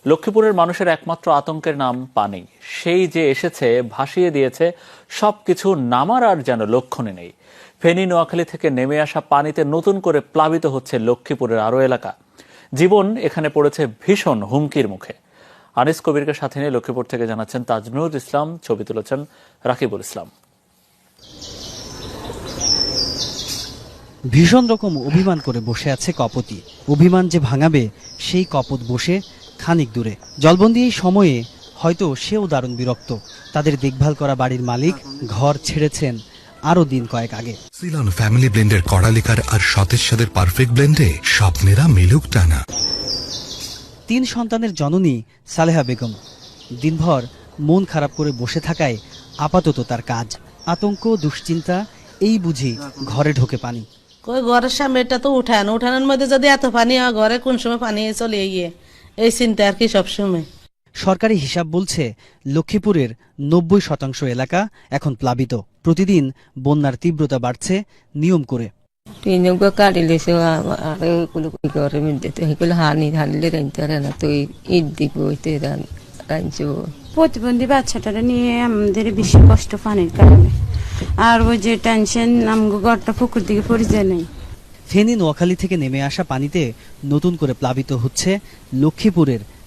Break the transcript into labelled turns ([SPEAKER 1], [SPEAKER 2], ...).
[SPEAKER 1] লক্ষ্মীপুরের মানুষের একমাত্র আতঙ্কের নাম পানি। সেই যে এসেছে, ভাসিয়ে দিয়েছে সবকিছু, নামার আর যেন লক্ষণই নেই। ফেনী নোয়াখালী থেকে নেমে আসা পানিতে নতুন করে প্লাবিত হচ্ছে লক্ষ্মীপুরের আরো এলাকা। জীবন এখানে পড়েছে ভীষণ হুমকির মুখে। আনিস কবিরকে সাথে নিয়ে লক্ষ্মীপুর থেকে জানাচ্ছেন তাজনুর ইসলাম, ছবি তুলেছেন রাকিবুল ইসলাম।
[SPEAKER 2] ভীষণ রকম অভিমান করে বসে আছে কপতি। অভিমান যে ভাঙাবে সেই কপত বসে খানিক দূরে। জলবন্দি এই সময়ে হয়তো সেও দারুণ বিরক্ত। তাদের দেখভাল করা বাড়ির মালিক ঘর ছেড়েছেন আরো দিন কয়েক আগে।
[SPEAKER 3] সিলন ফ্যামিলি ব্লেন্ডের কড়ালিকার আর সতেজ সাদের পারফেক্ট ব্লেন্ডে স্বপ্নেরা মিলুক টানা।
[SPEAKER 2] 3 সন্তানের জননী সালেহা বেগম দিনভর মন খারাপ করে বসে থাকায় আপাতত তার কাজ। আতঙ্ক, দুশ্চিন্তা, এই বুঝি ঘরে ঢোকে পানি।
[SPEAKER 4] কই ঘরের সামনে এটা তো উঠানের মধ্যে যদি এত পানি হয়, ঘরে কোন সময় পানি চলে গিয়ে, এই চিন্তা আর কি সবসময়।
[SPEAKER 2] সরকারি হিসাব বলছে লক্ষ্মীপুরের 90% এলাকা এখন প্লাবিত। প্রতিদিন বন্যার তীব্রতা বাড়ছে নিয়ম করে।
[SPEAKER 5] প্রতিবন্ধী বাচ্চাটারা নিয়ে আমাদের বেশি কষ্ট পানির কারণে, আর ওই যে টেনশন, আমগো ঘরটা পুকুর দিকে পড়ে যায় নাই।
[SPEAKER 2] ফেনী নোয়াখালী থেকে নেমে আসা পানিতে নতুন করে প্লাবিত হচ্ছে লক্ষ্মীপুরের